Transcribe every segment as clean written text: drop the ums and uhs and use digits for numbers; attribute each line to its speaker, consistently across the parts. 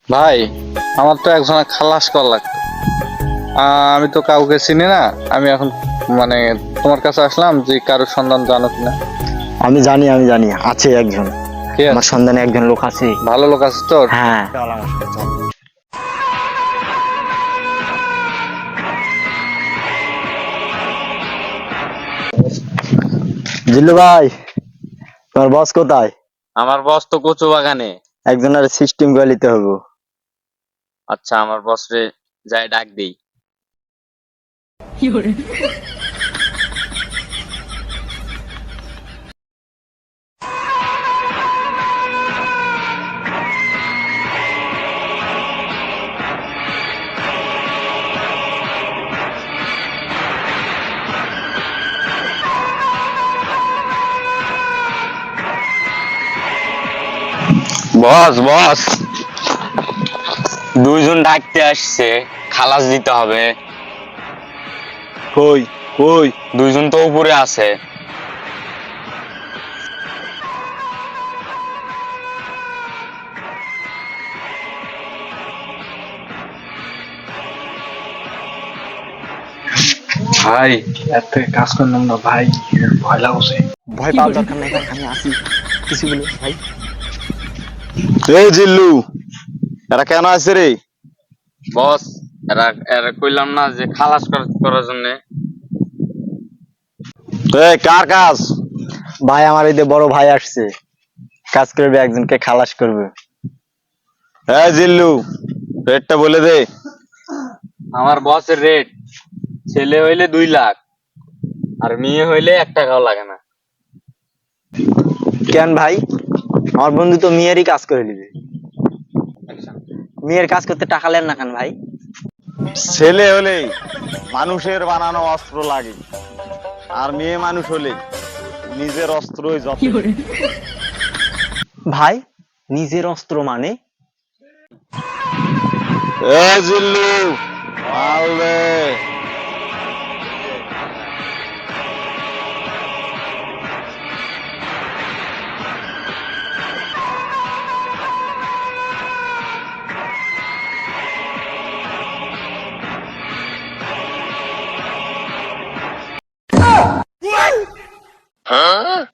Speaker 1: ভাই, আমার তো একজনের খালাস করা লাগতো। আমি তো কাউকে চিনি না। আমি এখন মানে তোমার কাছে আসলাম যে কারোর সন্ধান জানো কিনা।
Speaker 2: আমি জানি আছে একজন।
Speaker 1: কে
Speaker 2: আমার
Speaker 1: আছে?
Speaker 2: সন্ধানে একজন লোক আছে।
Speaker 1: ভালো লোক আছে তোর?
Speaker 2: হ্যাঁ, চল আমার সাথে চল। জিল্লু ভাই, তোমার বস কোথায়?
Speaker 3: আমার বস তো কচু বাগানে।
Speaker 2: একজনের সিস্টেম করে নিতে হবে।
Speaker 3: আচ্ছা, আমার বস রে যাই ডাক দেই। বস বস, দুইজন ডাকতে আসছে, খালাস দিতে হবে।
Speaker 2: কই কই?
Speaker 3: দুইজন তো উপরে আছে।
Speaker 1: ভাই, এত কাজ করলাম না ভাই, ভয় লাগছে।
Speaker 2: ভয় পাওয়ার দরকার নাই ভাই, আমি আসি। কিছু বলে ভাই।
Speaker 4: এই জিল্লু, এরা কেন আছে রে?
Speaker 3: বস, এরা এরা কইলাম না যে খালাস করার জন্য।
Speaker 4: কার কাজ?
Speaker 2: ভাই, আমার এই যে বড় ভাই আসছে, কাজ করবে, একজনকে খালাস করবে।
Speaker 4: এই জিল্লু, রেটটা বলে দে।
Speaker 3: আমার বসের রেট, ছেলে হইলে 2 লাখ, আর মেয়ে হইলে 1 টাকাও লাগে না।
Speaker 2: কেন ভাই? আমার বন্ধু তো মেয়েরই কাজ করে নিবে। মেয়ের কাজ করতে টাকা নেন না কেন ভাই?
Speaker 4: ছেলে হলে মানুষের বানানো অস্ত্র লাগে, আর মেয়ে মানুষ হলে নিজের অস্ত্রই যথেষ্ট।
Speaker 2: ভাই, নিজের অস্ত্র মানে?
Speaker 4: এই জিল্লু, মাল দে।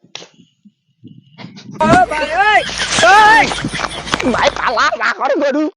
Speaker 2: ভাই পালা না করে গরু।